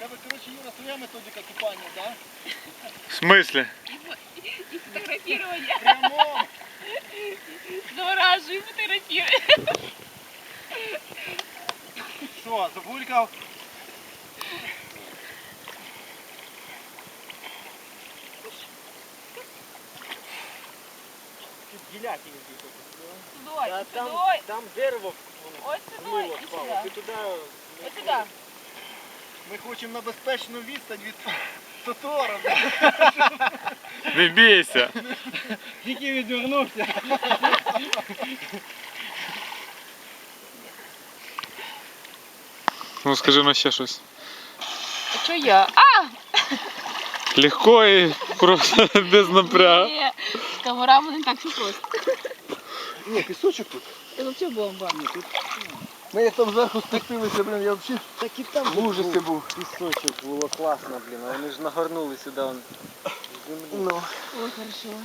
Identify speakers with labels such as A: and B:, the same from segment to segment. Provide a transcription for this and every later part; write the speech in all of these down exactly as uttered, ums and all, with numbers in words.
A: тебе, короче, Юра, своя методика купания, да?
B: В смысле?
C: И фотографирование.
A: Прямо.
C: Завораживай, фотографируй.
A: Все, забулькав. Гіляки
C: Сюдой,
D: А там,
C: сюдой.
D: там дерево
C: Ось сюдой
D: вмило
C: і
D: впало.
C: сюди.
D: Ти туди...
C: Ось сюди.
A: Ми хочемо на безпечну відстань від Тотора.
B: Не бійся.
D: Тільки відвернувся.
B: Ну скажи на ще щось.
C: А що я? А!
B: Легко і просто без напрягу.
C: Ні, з камерами не так все просто.
A: Ні, пісочок тут.
C: Це взагалі бомба.
A: Ми як там зверху спустилися, блин, я взагалі
D: Так і там
A: в ужасі був.
D: пісочок було класно, блін. А вони ж нагорнули сюди. Вон,
A: Ну.
C: Ой, хорошо.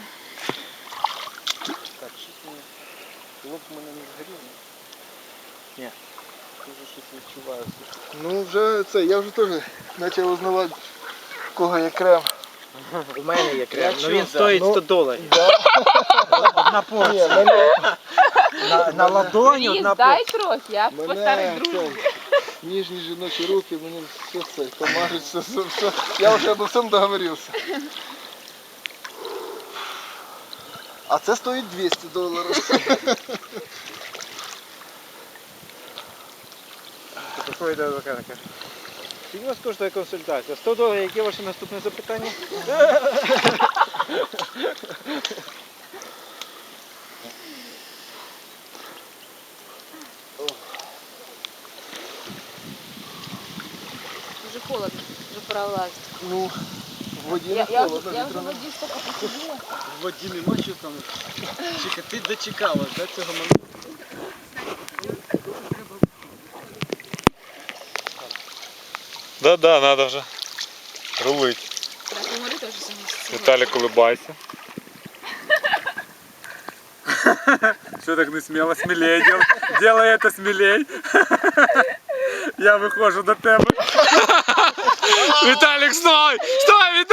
D: так, щось мені... Лоб в мене не згорів. Ні. Я вже щось відчуваю.
A: Ну вже це, я вже теж почав узнавати, в кого є крем.
D: У мене є крем,
A: Я
D: але
A: чув,
D: він
A: да.
D: стоїть
A: Ну,
D: сто доларів.
A: Да.
D: Одна
A: Ні,
D: порція.
A: мене,
D: На, на ладоні
C: Ліз,
D: одна
C: дай
D: порція.
C: трохи, я по старій
A: мене
C: дружбі.
A: це, ніжні жіночі руки, мені все це, помажуть, все, все, все. Я вже обо всьому договорився. А це стоїть двісті доларів.
D: Такої до механіка. Скільки у вас коштує консультація? сто доларів, яке ваше наступне запитання?
C: Дуже холодно, вже пора влазити.
A: Ну, в воді
C: Я,
A: не
C: я,
A: холодно,
C: я вже в
A: вітряно.
C: воді стільки посиділа.
D: В воді нема що там. Чека, ти дочекалась, да, цього моменту?
B: Да-да, надо вже рулить.
C: Так, і Мари теж согласиться.
B: Віталік, улыбайся. Что так не смело? Смелей дел... делай это смелей. Я выхожу до тебе. Виталик, стой! Стой, Виталик!